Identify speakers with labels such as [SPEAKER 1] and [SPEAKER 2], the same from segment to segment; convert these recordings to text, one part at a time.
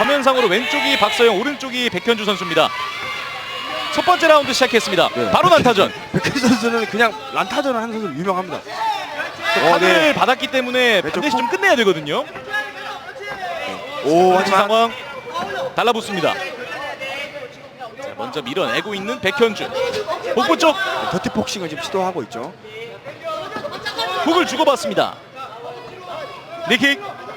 [SPEAKER 1] 화면상으로 왼쪽이 박서영, 오른쪽이 백현주 선수입니다. 첫 번째 라운드 시작했습니다.
[SPEAKER 2] 네.
[SPEAKER 1] 바로 난타전.
[SPEAKER 2] 백현주 선수는 그냥 난타전을 하는 선수로 유명합니다.
[SPEAKER 1] 카드를 받았기 때문에 반드시 좀 끝내야 되거든요.
[SPEAKER 2] 오,
[SPEAKER 1] 하지만
[SPEAKER 2] 하지만
[SPEAKER 1] 상황 달라붙습니다. 자, 먼저 밀어내고 있는 백현주. 복부 쪽
[SPEAKER 2] 더티 복싱을 지금 시도하고 있죠.
[SPEAKER 1] 훅을 주고받습니다. 니킥.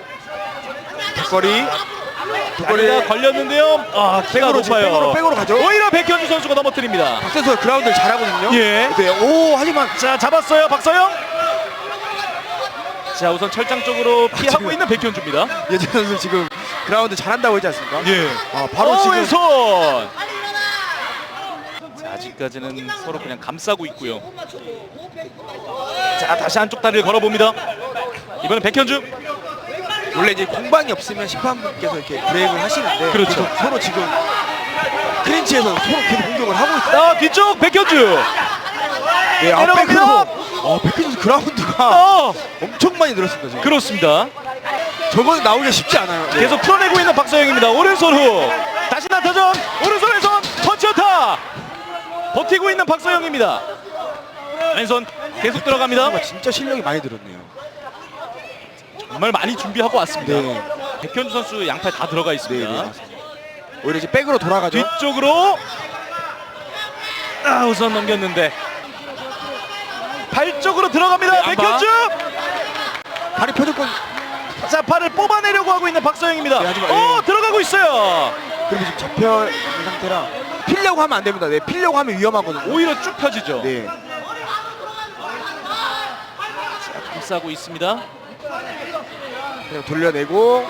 [SPEAKER 2] 뒷거리.
[SPEAKER 1] 다리가 걸렸는데요. 아, 키가 높아요.
[SPEAKER 2] 백으로 가죠.
[SPEAKER 1] 오히려 백현주 선수가 넘어뜨립니다.
[SPEAKER 2] 박 선수가 그라운드를 잘하거든요.
[SPEAKER 1] 예.
[SPEAKER 2] 네. 오, 하지만
[SPEAKER 1] 자, 잡았어요, 박서영. 자, 우선 철장 쪽으로 피하고
[SPEAKER 2] 지금
[SPEAKER 1] 있는 백현주입니다.
[SPEAKER 2] 예전 선수 지금 그라운드 잘한다고 했지 않습니까?
[SPEAKER 1] 예.
[SPEAKER 2] 바로 지금
[SPEAKER 1] 왼손. 자, 아직까지는 서로 그냥 감싸고 있고요. 자, 다시 한쪽 다리를 걸어봅니다. 이번엔 백현주.
[SPEAKER 2] 원래 이제 공방이 없으면 심판분께서 이렇게 브레이크를 하시는데
[SPEAKER 1] 그렇죠.
[SPEAKER 2] 서로 지금 클린치에서 서로 계속 공격을 하고 있어요.
[SPEAKER 1] 아, 뒤쪽 백현주.
[SPEAKER 2] 네,
[SPEAKER 1] 내려갑니다.
[SPEAKER 2] 백현주 그라운드가
[SPEAKER 1] 어,
[SPEAKER 2] 엄청 많이 늘었습니다 지금.
[SPEAKER 1] 그렇습니다.
[SPEAKER 2] 저거는 나오기가 쉽지 않아요. 네.
[SPEAKER 1] 계속 풀어내고 있는 박서영입니다. 오른손 후. 다시 나타전. 오른손 왼손 펀치어타. 버티고 있는 박서영입니다. 왼손 계속 들어갑니다.
[SPEAKER 2] 선수가 진짜 실력이 많이 늘었네요.
[SPEAKER 1] 정말 많이 준비하고 왔습니다.
[SPEAKER 2] 네.
[SPEAKER 1] 백현주 선수 양팔 다 들어가
[SPEAKER 2] 네,
[SPEAKER 1] 있습니다.
[SPEAKER 2] 네, 맞습니다. 오히려 이제 백으로 돌아가죠.
[SPEAKER 1] 뒤쪽으로 우선 넘겼는데 발 쪽으로 들어갑니다.
[SPEAKER 2] 네, 안 봐.
[SPEAKER 1] 백현주.
[SPEAKER 2] 발이 펴졌건
[SPEAKER 1] 자, 팔을 뽑아내려고 하고 있는 박서영입니다.
[SPEAKER 2] 네, 하지만,
[SPEAKER 1] 들어가고 있어요.
[SPEAKER 2] 그리고 지금 잡혀 있는 상태라 피려고 하면 안 됩니다. 네, 피려고 하면 위험하거든요.
[SPEAKER 1] 오히려 쭉 펴지죠.
[SPEAKER 2] 네.
[SPEAKER 1] 자, 감싸고 있습니다.
[SPEAKER 2] 그냥 돌려내고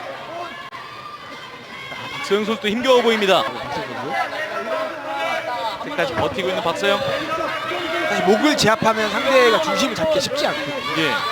[SPEAKER 1] 박서영 선수도 힘겨워 보입니다.
[SPEAKER 2] 박세영 선수.
[SPEAKER 1] 끝까지 버티고 있는 박서영.
[SPEAKER 2] 사실 목을 제압하면 상대가 중심을 잡기 쉽지 않거든요.
[SPEAKER 1] 예.
[SPEAKER 2] 네.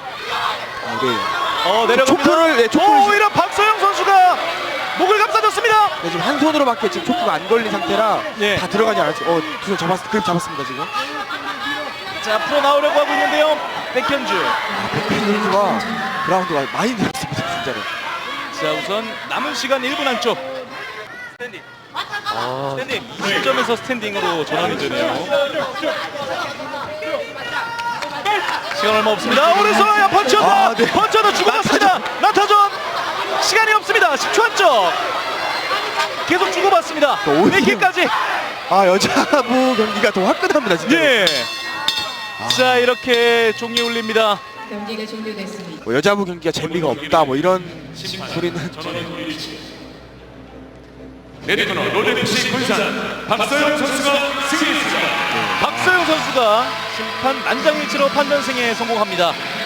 [SPEAKER 1] 내려갑니다.
[SPEAKER 2] 초크를 초크를
[SPEAKER 1] 오히려 박서영 선수가 목을 감싸줬습니다.
[SPEAKER 2] 네, 지금 한 손으로밖에 지금 초크가 안 걸린 상태라
[SPEAKER 1] 예.
[SPEAKER 2] 다 들어가지 않았죠. 두 손 그립 잡았습니다 지금.
[SPEAKER 1] 자, 풀어 나오려고 하고 있는데요. 백현주.
[SPEAKER 2] 백현주 선수가 그라운드가 많이 늘었습니다 진짜로.
[SPEAKER 1] 자, 우선 남은 시간 1분 안쪽. 스탠딩. 스탠딩. 이 시점에서 스탠딩으로 전환이 되네요. 시간 얼마 없습니다. 오른손 펀치어타.
[SPEAKER 2] 네.
[SPEAKER 1] 펀치어타 주고받습니다. 나타전. 시간이 없습니다. 10초 안쪽. 계속 주고받습니다. 네킥까지.
[SPEAKER 2] 여자부 경기가 더 화끈합니다 진짜.
[SPEAKER 1] 예. 자, 이렇게 종이 울립니다.
[SPEAKER 3] 경기가 종료됐습니다.
[SPEAKER 2] 여자부 경기가 재미가 없다 뭐 이런 소리는
[SPEAKER 4] 레드코너 롤FC 군산 박서영 선수가 승리했습니다.
[SPEAKER 1] 박서영 선수가 심판 만장일치로 판정 승에 성공합니다.